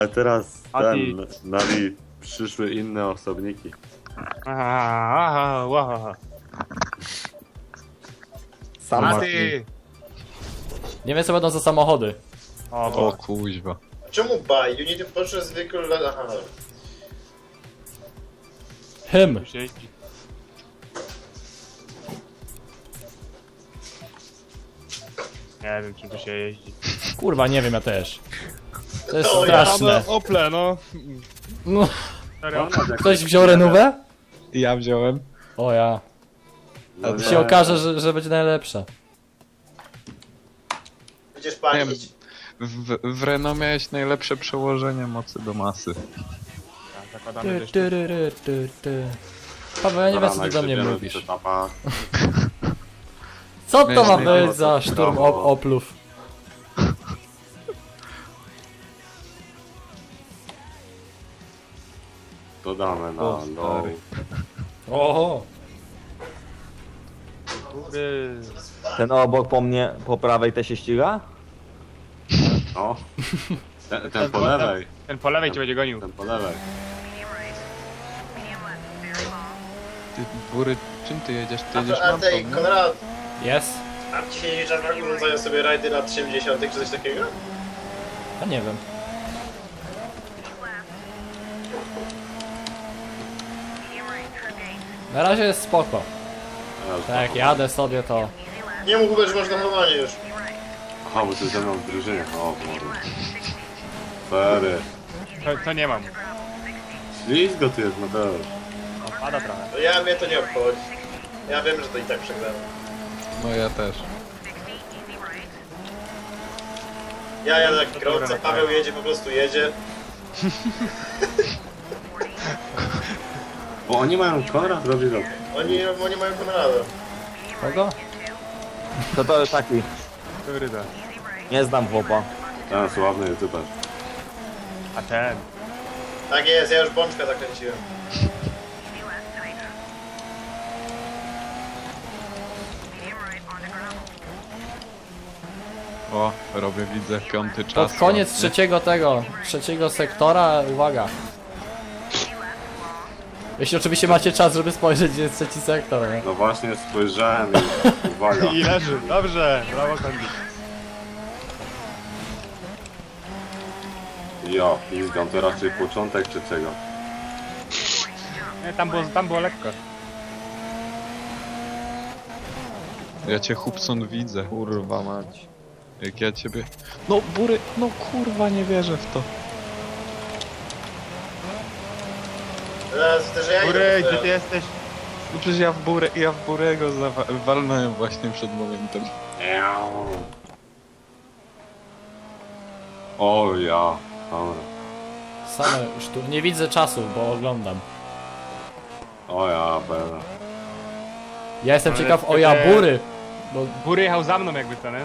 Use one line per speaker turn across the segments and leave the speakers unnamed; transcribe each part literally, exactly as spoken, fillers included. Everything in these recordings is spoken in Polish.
A teraz
A
ten, nami przyszły inne osobniki.
Aha, aha, aha.
Sam
A ty!
Nie wiem co będą za samochody.
O,
O
bo.
kuźwa.
Czemu buy? You need to purchase vehicle... Aha.
Hym.
Tu się jeździ. Nie wiem, czym tu się jeździ.
Kurwa, nie wiem, ja też. To jest
To ja.
straszne.
Ople, no.
No,
Serio?
ktoś wziął renówę?
Ja wziąłem.
O ja.
No
Się okaże, że, że będzie najlepsza.
Będziesz palić.
W, w Renault miałeś najlepsze przełożenie mocy do masy.
Tak, zakładamy
Ty,
też.
ty, ty, ty, ty, ty. Paweł, ja nie wiem co ty do mnie mówisz. Co to ma być za szturm op oplów?
Dodamy na
O,
low.
stary.
Oho.
Góry.
Ten obok po mnie, po prawej też się ściga?
No. Ten, ten po lewej.
Ten po lewej cię będzie gonił.
Ten po lewej.
Ty, Bury, czym ty jedziesz? Ty
A,
jedziesz
to, a
na
tej,
to,
Konrad,
Jest?
a ci się nie czarnak urządzają sobie rajdy lat osiemdziesiątych czy coś takiego?
A nie wiem. Na razie jest spoko.
Teraz
Tak,
to-
jadę sobie to.
Nie mów Hubert, że masz zachowanie już.
Aha, bo ty ze mną w drużynie. O, Boże. Fery.
To, to nie mam.
Ślizgo tu jest, Mateusz.
O, pada trochę.
No ja, mnie to nie obchodzi. Ja wiem, że to i tak przegrałem.
No ja też.
Ja jadę jak kierowca, Paweł jedzie, po prostu jedzie.
Bo oni mają Konrad robi rok.
Oni, oni mają Konrada.
Kogo?
To to jest taki.
Hybryda.
Nie znam chłopa.
Ten sławny youtuber.
A ten.
Tak jest, ja już bączka zakręciłem.
O, robię, widzę piąty czas.
Pod koniec
ładnie.
trzeciego tego, trzeciego sektora, uwaga. Jeśli oczywiście macie czas, żeby spojrzeć, gdzie jest trzeci sektor, nie?
No właśnie spojrzałem i uwaga.
I leży. Dobrze. Brawo, Kondi.
Ja, pizgam, to raczej początek trzeciego.
Nie, tam było, tam było lekko.
Ja cię Hubson widzę.
Kurwa mać.
Jak ja ciebie... No Bury, no kurwa nie wierzę w to.
Teraz też ja
Góry,
idę.
gdzie ty jesteś?
No przecież ja w Burę, ja w Burego zawa- walnąłem właśnie przed momentem.
Eau. O ja. Dobra.
Same sztu... Nie widzę czasu, bo oglądam.
O ja, pewnie.
Ja jestem
Ale
ciekaw o
wtedy-
Jabury. Bo
Góry jechał za mną jakby to, nie?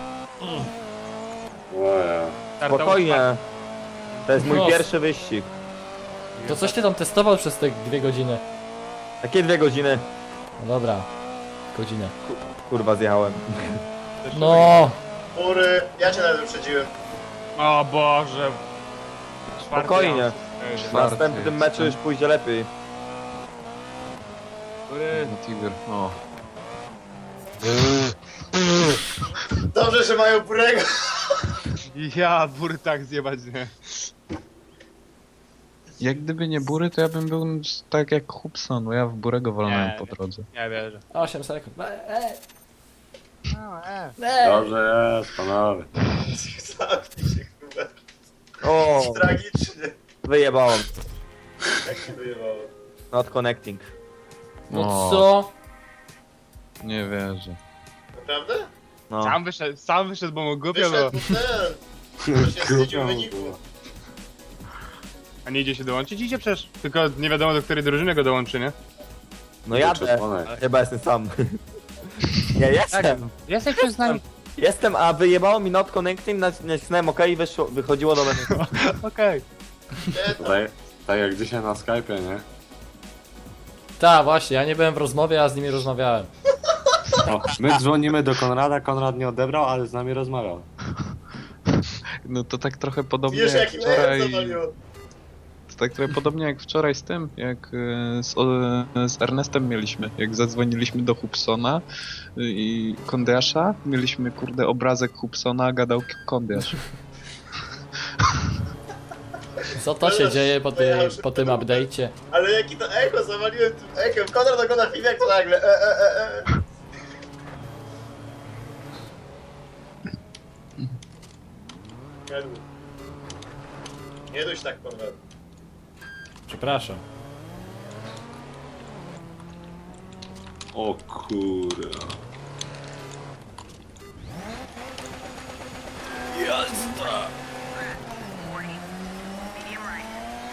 O ja.
Startował
Spokojnie. To jest mój
No.
pierwszy wyścig.
to coś ty tam testował przez te dwie godziny.
Takie dwie godziny.
No dobra. Godzinę.
Kurwa zjechałem.
No.
Góry, ja cię nawet wyprzedziłem.
O Boże. Czwarty
Spokojnie.
raz.
W
Czwarty
następnym
jest,
meczu
tak.
już pójdzie lepiej.
Góry.
No Tiger, o.
Dobrze, że mają Burego.
Ja, Bury tak zjebać, nie?
Jak gdyby nie Bury, to ja bym był tak jak Hubson, bo ja w Burego walnąłem
Nie,
po drodze.
Nie wierzę.
osiem sekund. E, e,
No, e.
e.
Dobrze jest, panowie.
Zamknij się, Hubert.
O,
Tragicznie.
wyjebałem.
Jak się wyjebało.
Not connecting.
No
O.
co?
Nie wierzę.
Naprawdę?
No.
Sam wyszedł, sam wyszedł, bo mu głupio było.
Wyszedł ten. Już nie wstydził wyniku.
A nie idzie się dołączyć? Idzie przecież. Tylko nie wiadomo do której drużyny go dołączy, nie?
No jadę. Chyba jestem sam. Nie, jestem.
Jesteś przez nami.
Jestem, a wyjebało mi not connecting, nac- nacisnąłem OK i wyszło, wychodziło do mnie.
Okej.
Nie, to
Tak, tak jak dzisiaj na Skype'ie, nie?
Tak, właśnie, ja nie byłem w rozmowie, a z nimi rozmawiałem.
O, my dzwonimy do Konrada, Konrad nie odebrał, ale z nami rozmawiał.
No to tak trochę podobnie
Wiesz
jak
jakim ejem
wczoraj...
zawaliło?
To tak trochę podobnie jak wczoraj z tym, jak e, z, o, z Ernestem mieliśmy, jak zadzwoniliśmy do Hubsona i Kondiasza, mieliśmy kurde obrazek Hubsona, a gadał Kondiasz.
Co to się dzieje po, ty, po tym update'cie?
Ale jaki to echo, zawaliłem tym echem. Konrad ogląda film jak to nagle. E, e, e, e. Nie duś. Nie duś tak, Konrad.
Przepraszam.
O kurwa.
Medium right.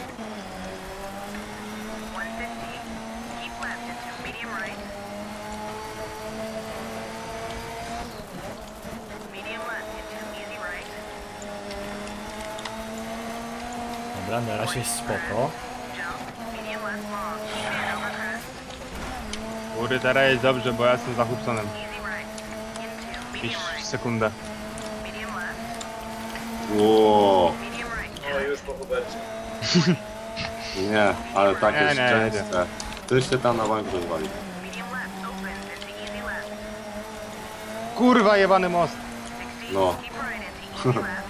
one fifty. Keep left into medium right. Medium left into easy right.
Dobra, na razie jest spoko.
Jump. Medium left long. Keep in over crest.
Góry, teraz jest dobrze, bo ja jestem za Hubsonem.
Easy right. Into
Jakieś
medium right.
sekundę.
Medium left.
Ło.
Medium right.
No już po Hubercie.
Nie, ale takie
Nie, nie, nie.
szczęście. Tyś się tam na bank rozwalił.
Medium left opens into easy left.
Kurwa, jebany most.
sixty.
No.
Keep right into easy left.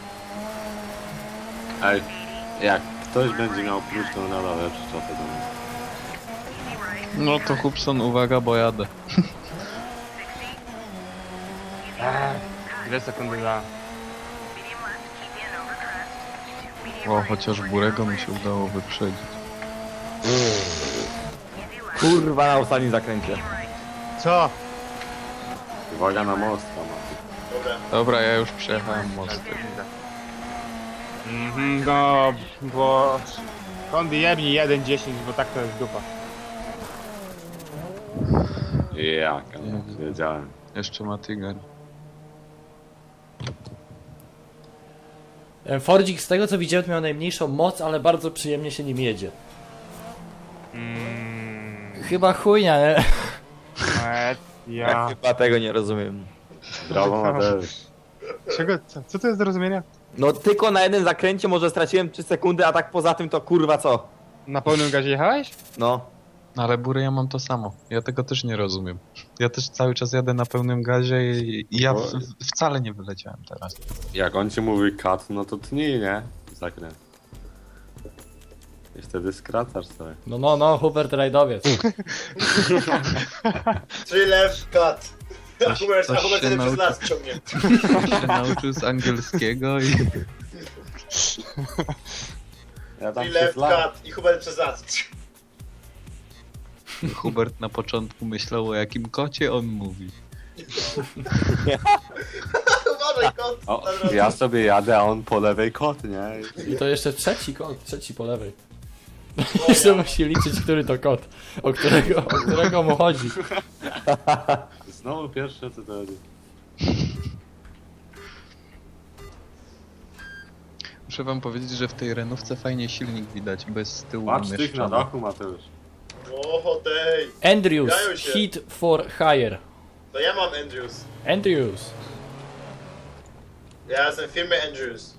Ej, jak ktoś będzie miał plus, to nada lepszy czas do mnie.
Easy right.
No to Hubson, uwaga, bo jadę.
sixty. Easy
Ech, dwie sekundy za.
medium left. Keep in over crest. Into medium
O,
right.
chociaż Burego mi się udało wyprzedzić.
Easy left.
Kurwa na ostatnim zakręcie.
Medium right.
Co?
Uwaga na most, tam.
Dobra.
Dobra, ja już przejechałem most.
Mhm, no, bo... Kondi jebni jeden dziesięć, bo tak to jest dupa.
Jak, ale wiedziałem.
Jeszcze ma Tiger.
E, Fordzik z tego co widziałem to miał najmniejszą moc, ale bardzo przyjemnie się nim jedzie.
Mm,
Chyba chujnia, nie?
e,
Ja
ja...
chyba tego nie rozumiem.
Brawo Mateusz.
Czego? Co, co to jest do rozumienia?
No tylko na jednym zakręcie może straciłem trzy sekundy, a tak poza tym to kurwa co?
Na pełnym gazie jechałeś?
No.
No ale Bury, ja mam to samo. Ja tego też nie rozumiem. Ja też cały czas jadę na pełnym gazie i, i ja w, w, wcale nie wyleciałem teraz.
Jak on ci mówi cut, no to tnij, nie? Zakręt. I wtedy skracasz sobie.
No, no, no, Hubert rajdowiec.
Three left cut. A
Coś-
Hubert, a
coś
Hubert
się
wtedy przez
nauczy-
las ciągnie.
się nauczył z angielskiego i...
Ja tam
Three
przez
left
lat.
cut i Hubert przez las.
Hubert na początku myślał, o jakim kocie on mówi.
Uważaj, kot.
O,
na drodze.
ja sobie jadę, a on po lewej kot, nie?
I to jeszcze trzeci kot, trzeci po lewej.
O,
Jeszcze
ja.
musi liczyć, który to kot, o którego, o którego mu chodzi.
Znowu pierwsze co to chodzi.
Muszę wam powiedzieć, że w tej renówce fajnie silnik widać, bez z tyłu
Patrz tych na
umieszczony.
dachu, Mateusz.
O, tej.
Andrews,
Dają się.
hit for hire.
To ja mam Andrews.
Andrews.
Ja jestem w firmie Andrews.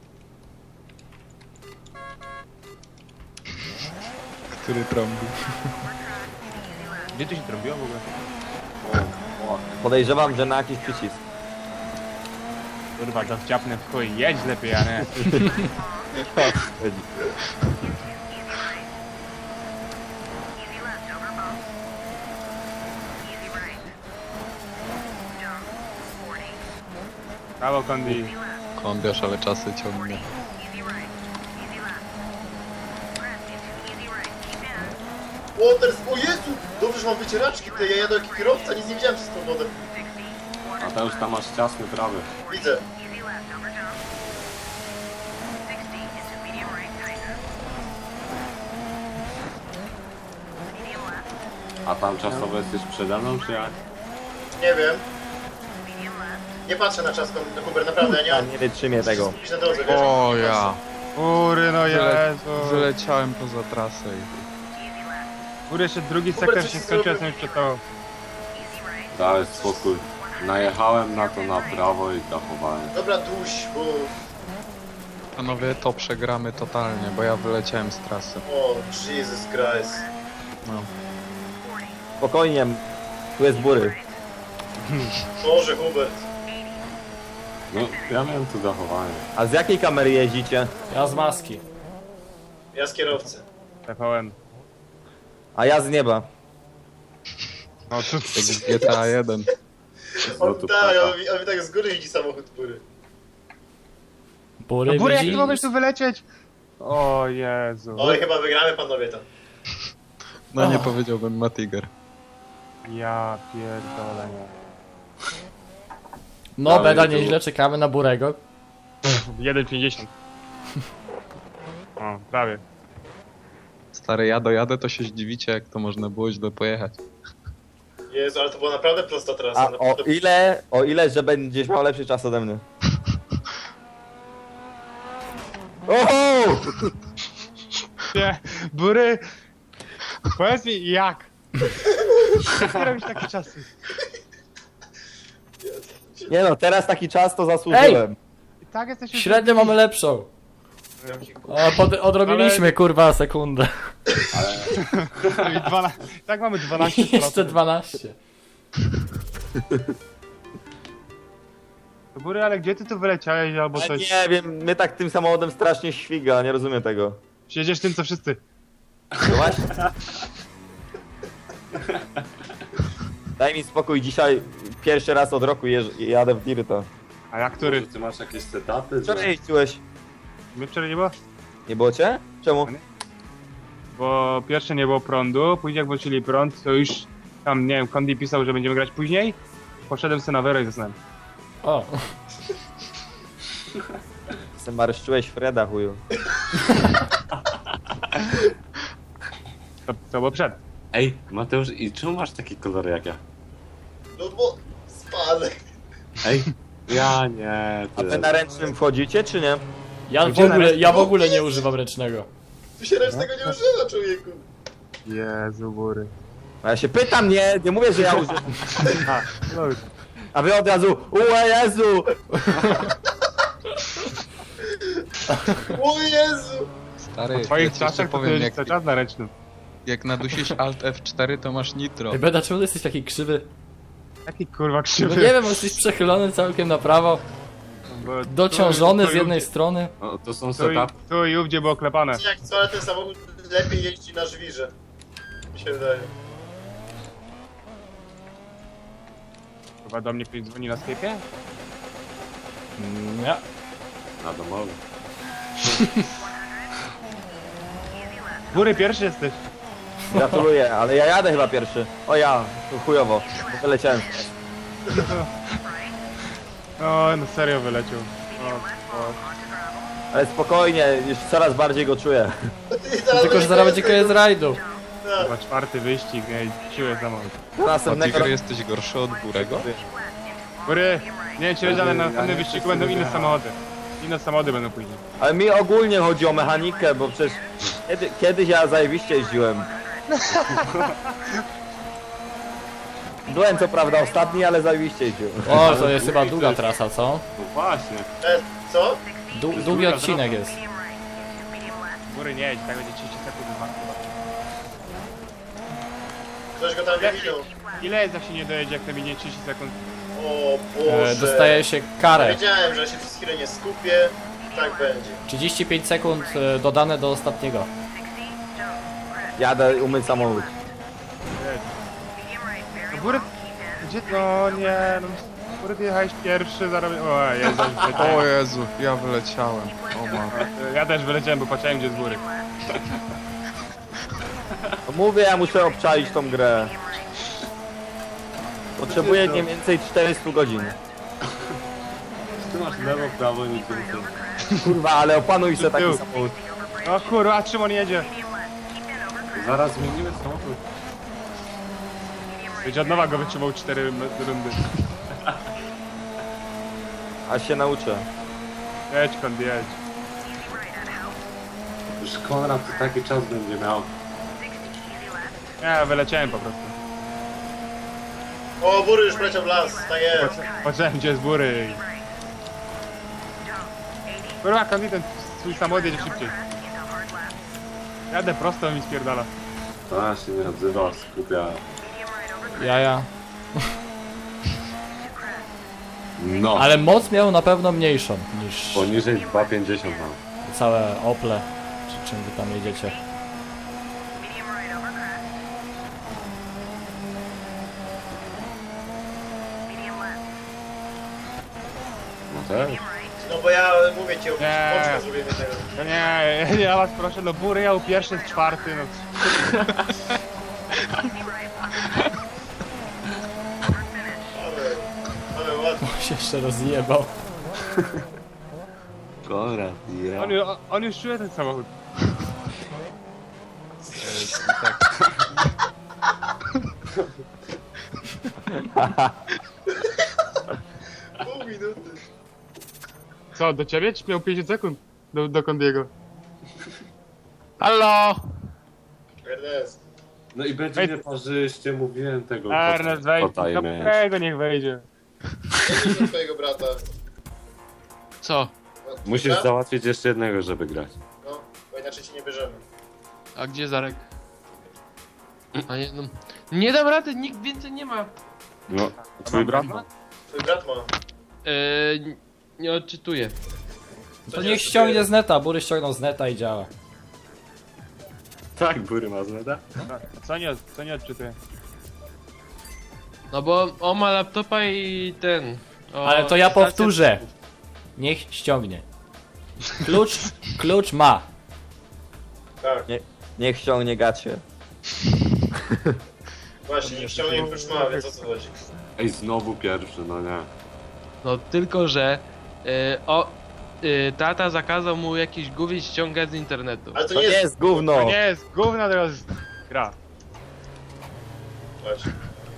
Który trąbi.
Gdzie tu się trąbiło w ogóle?
O, o.
Podejrzewam, że na jakiś przycisk.
Kurwa, to wciapnę w chuj, jedź lepiej, a nie.
Easy left over bump. Easy right. Jump. forty.
Brawo, Kondi.
Easy left.
Kondiasz, ale czasy ciągnie.
Easy right. Easy left. Crest into easy right. Keep in.
Waters, o Jezu! Dobrze, że mam wycieraczki te, ja jadę jak kierowca, nic nie widziałem przez tą wodę.
sixty.
Mateusz, tam masz ciasny prawy.
Widzę.
Easy left over jump. sixty into medium right tightness. Medium left.
A tam czasowo jesteś przede mną, czy jak?
Nie wiem.
Medium left.
Nie patrzę na czas, na Hubert, naprawdę, ja nie
Ja
mam...
nie wytrzymię tego.
Idź na drodze, wiesz?
O ja!
Kury, no
Wyle
Jezu.
wyleciałem poza trasę i...
Easy left.
Kury, jeszcze drugi
Hubert,
sektor
coś
się
ty
skończył, ja
zrobił?
jestem już przed tobą.
Easy right.
Dałeś spokój. Najechałem na to na prawo i dachowałem.
Dobra, duś, bo
panowie, to przegramy totalnie, bo ja wyleciałem z trasy.
O, Jesus Christ.
No.
Spokojnie, tu jest bury.
Boże, Hubert.
No, ja miałem tu zachowanie.
A z jakiej kamery jeździcie?
Ja z maski.
Ja z kierowcy.
T V N.
A ja z nieba.
No to...
Jak w G T A jeden.
On
lotu
tak,
ptaka.
on, mi- on mi tak z góry widzi samochód bury.
Bury
No Bury, jak
widzi?
ty możesz tu wylecieć? O Jezu.
Oj, chyba wygramy panowie to.
No nie
Och.
powiedziałbym Matiger.
Ja pierdolę.
No,
Dalej,
Beda,
tu-
nieźle, czekamy na Burego.
jeden pięćdziesiąt. O, prawie.
Stary, ja dojadę, to się zdziwicie, jak to można było źle pojechać.
Jezu, ale to była naprawdę prosta trasa.
A o
Naprawdę...
ile, o ile, że będziesz miał lepszy czas ode mnie. Oho!
Nie, Bury! Powiedz mi, jak? Jak ty robisz takie czasy?
Nie no, teraz taki czas to zasłużyłem.
I tak jesteś już...
Średnio mamy lepszą. O, pod, odrobiliśmy, kurwa, sekundę.
I dwana... Tak mamy dwanaście
Jeszcze
procent.
dwanaście.
Bury, ale gdzie ty tu wyleciałeś albo
Ale
coś?
nie wiem, mnie tak tym samochodem strasznie świga, nie rozumiem tego.
Siedzisz tym co wszyscy.
No właśnie. Daj mi spokój, dzisiaj pierwszy raz od roku jeż, jadę w Dirta.
A jak który?
Może ty masz jakieś setupy? że-
Wczoraj jeździłeś.
My wczoraj nie było?
Nie było cię? Czemu?
Bo pierwsze nie było prądu, później jak włączyli prąd, to już tam, nie wiem, Kondi pisał, że będziemy grać później. Poszedłem sobie na Wero i zasnąłem.
O,
Se marszczyłeś Freda, chuju.
To, to było przed.
Ej, Mateusz, i czemu masz taki kolor jak ja?
No bo... Spadek.
Ej, ja nie,
A
ty.
wy na ręcznym wchodzicie, czy nie?
ja w
Gdzie na
ogóle,
resztę?
ja w ogóle nie używam ręcznego.
Tu się ręcznego nie używa, człowieku.
Jezu, Bury.
A ja się pytam, nie, nie mówię, że ja używam.
A, no już.
A wy od razu, uła Jezu!
O Jezu.
Stary,
W twoich
ja ci jeszcze
czasach to
powiem,
jest
jak,
cały czas na ręcznym.
jak nadusisz Alt F cztery, to masz nitro.
Ej, Beda, czemu ty jesteś taki krzywy?
Jaki kurwa
No
krzywy.
nie wiem, bo jesteś przechylony całkiem na prawo,
Bo
dociążony
tu-
z
tu-
jednej strony.
O, to są
Tu i,
setupy.
tu i ówdzie było klepane.
Jak co, ale ten samochód lepiej jeździ na żwirze. Mi się wydaje.
Chyba do mnie ktoś dzwoni na Skype'ie?
Mm, Nie.
Na domowy.
Bury, pierwszy jesteś.
Gratuluję, ale ja jadę chyba pierwszy. O ja, to chujowo, bo wyleciałem.
O, no serio wyleciał. O, o.
Ale spokojnie, już coraz bardziej go czuję.
Tylko, że zaraz będzie koniec rajdu.
Chyba czwarty wyścig, nie, siłę samochód.
Do następnego
Matiger, jesteś gorszy od Burego?
Bury, nie wiem czy wiesz, ale na następnym wyścigu będą inne samochody. Inne samochody będą później.
Ale mi ogólnie chodzi o mechanikę, bo przecież kiedy, kiedyś ja zajebiście jeździłem. Byłem co prawda ostatni, ale zajebiście jeździłem.
O, to jest chyba długa trasa, co?
No właśnie.
E, co?
Du długi odcinek jest.
Bury nie jedź, tak będzie trzydzieści sekund. dwa.
Ktoś go tam nie widział.
Ile jest jak się nie dojedzie, jak to minie trzydzieści sekund?
O
E,
Boże.
dostaje się karę.
Wiedziałem, że się przez chwilę nie skupię. Tak będzie.
trzydzieści pięć sekund e, dodane do ostatniego.
Jadę umyć samochód.
No Bury, gdzie? No nie, no. Bury, ty jechałeś pierwszy, zarobię... O Jezu,
O Jezu, ja wyleciałem. O ma.
ja też wyleciałem, bo patrzyłem gdzie z góry.
No mówię, ja muszę obczaić tą grę. Potrzebuję nie więcej czterystu godzin.
Ty masz lewo, prawo, nic więcej.
Kurwa, ale opanuj se taki
Tył.
samochód.
O kurwa, Szymon jedzie.
Zaraz zmienimy samochód.
Będzie od nowa go wytrzymał cztery rundy.
Aż się nauczę.
Jedź, Kondi, jedź.
Już Konrad to taki czas będzie miał.
Ja wyleciałem po prostu.
O, Bury już poleciał w las. Tak jest.
Patrzyłem gdzie z góry. Kurwa, Kondi, ten swój samochód jedzie szybciej. Jadę prosto, on mi spierdala.
A, się nie odzywa, skupia.
Jaja.
No,
Ale moc miał na pewno mniejszą niż
poniżej dwa pięćdziesiąt mam.
całe Ople, czy czym wy tam jedziecie.
No też.
No bo ja mówię ci,
Nie.
oczko zrobię jednego.
No nie, ja was proszę, no bury jał pierwszy z czwarty, no.
Ale, ale ładnie.
się jeszcze rozjebał.
Kora, ja.
On, ju- on już czuje ten samochód.
Pół minuty.
Co, do ciebie? Czy miał pięćdziesiąt sekund? Do, do Kondiego. Halo!
Ernest.
No i będzie
Ej.
nie parzyście, mówiłem tego.
Ernest, wejdź,
kota i
do
mieć.
tego niech wejdzie.
Chodź do twojego brata.
Co?
No,
Musisz
dobra?
załatwić jeszcze jednego, żeby grać.
No, bo inaczej ci nie bierzemy.
A gdzie Zarek? A nie, no. Nie dam rady, nikt więcej nie ma.
No, twój brat ma?
Twój brat ma.
Eee, nie odczytuję.
To niech ściągnie z neta, Bury ściągnął z neta i działa.
Tak, Bury ma zneda.
Co nie, co nie odczytuję?
No bo on ma laptopa i ten. O,
Ale to ja
stację-
powtórzę. Niech ściągnie. Klucz, klucz ma.
Tak,
Niech ściągnie gacie.
właśnie, nie ściągnij klucz ma, więc o co chodzi.
Ej, znowu pierwszy, no nie.
No tylko, że e, o, e, tata zakazał mu jakieś głowie ściągać z internetu.
Ale to
To
nie
nie
jest...
jest gówno.
To nie jest gówno, to jest gra.
Patrz.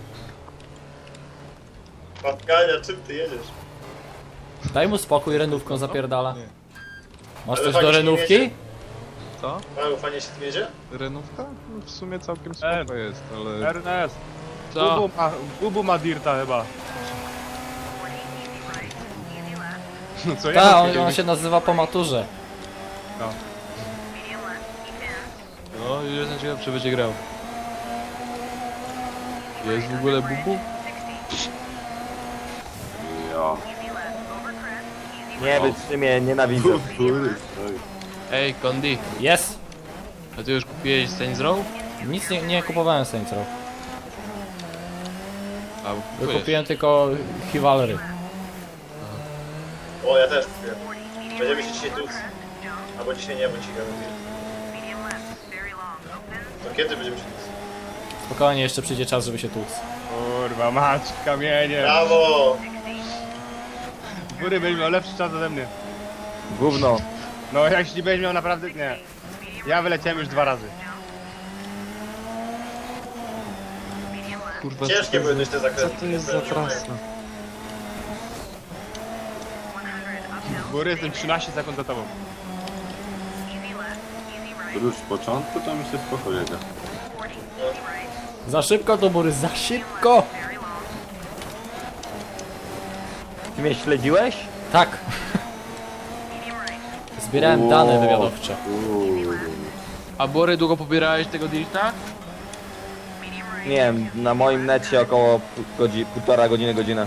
Patkania, czym ty jedziesz?
Daj mu spokój, renówką zapierdala. Masz
Ale
coś
fajnie
do
się nie
renówki?
jedzie.
Co?
Malu, fajnie się tym jedzie?
Renówka? No, w sumie całkiem
E,
spoko jest, ale...
Ernest,
Co?
Bubu ma, Bubu ma dirta chyba. No co ja
Tak,
mam
on, on się nazywa po maturze.
No, już jestem ciekaw, czy będzie grał. Jest w ogóle bubu?
Ja.
Nie wytrzymie, nienawidzę.
Bury, stoi.
Ej, Kondi,
Jest.
a ty już kupiłeś Saints Row?
Nic nie, nie kupowałem Saints Row.
A, kupujesz.
Kupiłem tylko Chivalry.
O, ja też kupiłem. Będziemy się dzisiaj tuc. Albo dzisiaj nie, bo ci gadam. To kiedy będziemy się tuc?
Spokojnie, jeszcze przyjdzie czas, żeby się tłuc.
Kurwa, mać, kamienie.
Brawo!
Bury będzie miał lepszy czas ode mnie.
Gówno.
No jeśli będziesz miał naprawdę... Nie. Ja wyleciałem już dwa razy.
Kurwa,
Ciężkie były dość te
co
zakręty.
to jest za trasa?
Bury, jestem trzynaście sekund za tobą.
Już z początku to mi się spoko jedzie.
Za szybko to Bury, za szybko!
Ty mnie śledziłeś?
Tak. Zbierałem dane wywiadowcze.
Uuu.
A Bory, długo pobierałeś tego dirta?
Nie wiem, na moim necie około pół godzi, półtora godziny, godzinę.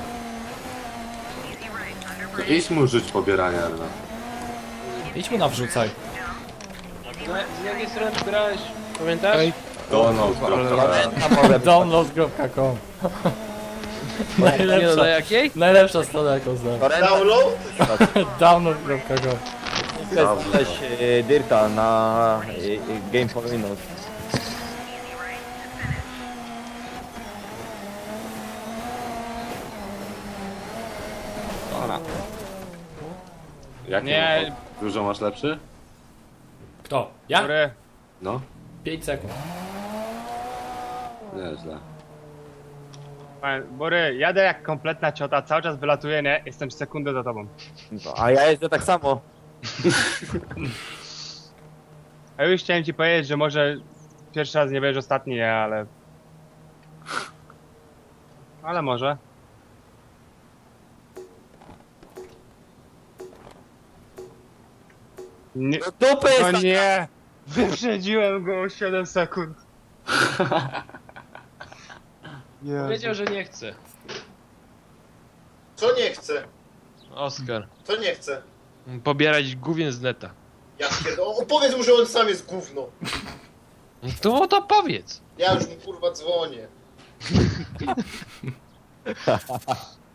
To idź mu żyć pobierania, Ernest.
Idź mu nawrzucaj.
Z jakiej strony pobierałeś? Pamiętasz?
Ej,
Donald,
Ale...
download kropka com.
Nie no,
Najlepsza,
na jakiej?
najlepsza strona jaką znam.
Download?
download kropka com.
jest coś e, Dirta na e, e, Game for Windows.
Jakie
Nie.
ma- Dużo masz lepszy?
Kto? Ja?
Bury,
No,
pięć sekund.
nieźle.
panie- Bury, jadę jak kompletna ciota, cały czas wylatuję, nie? Jestem sekundę za tobą.
A ja jeżdżę tak samo.
A już chciałem ci powiedzieć, że może pierwszy raz nie będziesz ostatni, nie, ale... Ale może. Nie,
Dupy jest
no
taka.
nie! Wyprzedziłem go o siedem sekund. Jezu.
Powiedział, że nie chce.
Co nie chce?
Oskar.
Co nie chce?
Pobierać gówien z neta.
Ja pierdolę. O, powiedz mu, że on sam jest gówno.
To to powiedz.
Ja już mu kurwa dzwonię.